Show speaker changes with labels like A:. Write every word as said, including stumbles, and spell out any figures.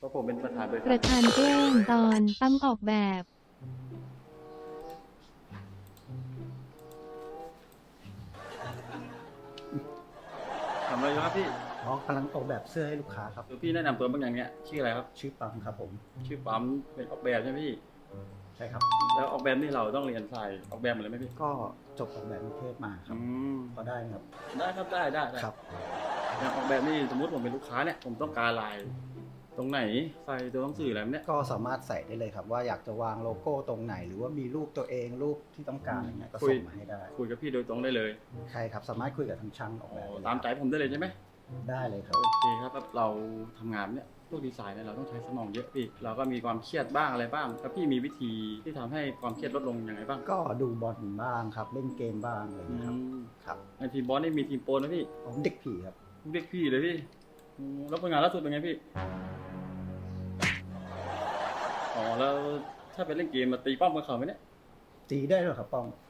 A: ราะผมเป็นประธานบริ
B: ป
A: ษัท
B: ระธานแกล้งตอนตั้มออกแบบ
A: ทำอะไรอยู่ครับพี่
C: อ๋อกำลังออกแบบเสื้อให้ลูกค้าครับ
A: คือพี่แนะนำตัวบางอย่างเนี้ยชื่ออะไรครับ
C: ชื่อปังครับผม
A: ชื่อปั๊มเป็นออกแบบใช่ไหมพี่
C: ใช่ครับ
A: แล้วออกแบบนี่เราต้องเรียนสายออกแบบหมดเลยไหมพี่
C: ก็จบออกแบบกรุงเทพมาครับ
A: อืม
C: พอได้ไหมครับ
A: ได้ครับได้ได้ได้
C: ครับ
A: อย่างออกแบบนี่สมมติผมเป็นลูกค้าเนี่ยผมต้องการลาย ตรงไหนใส่ตัวหนังสืออะไรแบบเนี้ย
C: ก็สามารถใส่ได้เลยครับ ว่าอยากจะวางโลโก้ตรงไหน หรือว่ามีรูปตัวเองรูปที่ต้องการอะไรเงี้ยก็ส่งมาให้ได้
A: คุยกับพี่โดยตรงได้เลย
C: ใช่ครับ สามารถคุยกับทางช่างออก
A: อ๋
C: แบบ
A: อ
C: ได้เลย
A: ตามใจผมได้เลยใช่ไหม
C: ได้เลยครับ
A: โอเคครับแบบเราทำงานเนี่ยพวกดีไซน์เนี่ยเราต้องใช้สมองเยอะพี่เราก็มีความเครียดบ้างอะไรบ้างแล้วพี่มีวิธีที่ทำให้ความเครียดลดลงยังไงบ้าง
C: ก็ดูบอลบ้างครับ เล่นเกมบ้างอะไร
A: อื
C: เงี้ยครับ
A: ม
C: ครับ
A: ในทีมบอลนี่มีทีมโปรนะพี่
C: ผมเด็กผีครับ
A: เรียกพี่เลยพี่อืมแล้วผลงานล่าสุดเป็นไงพี่ อ๋อแล้วถ้าไปเล่นเกมมาตีป้อมกับเขาไหมเนี่ย
C: ตีได้เหรอครับป้อง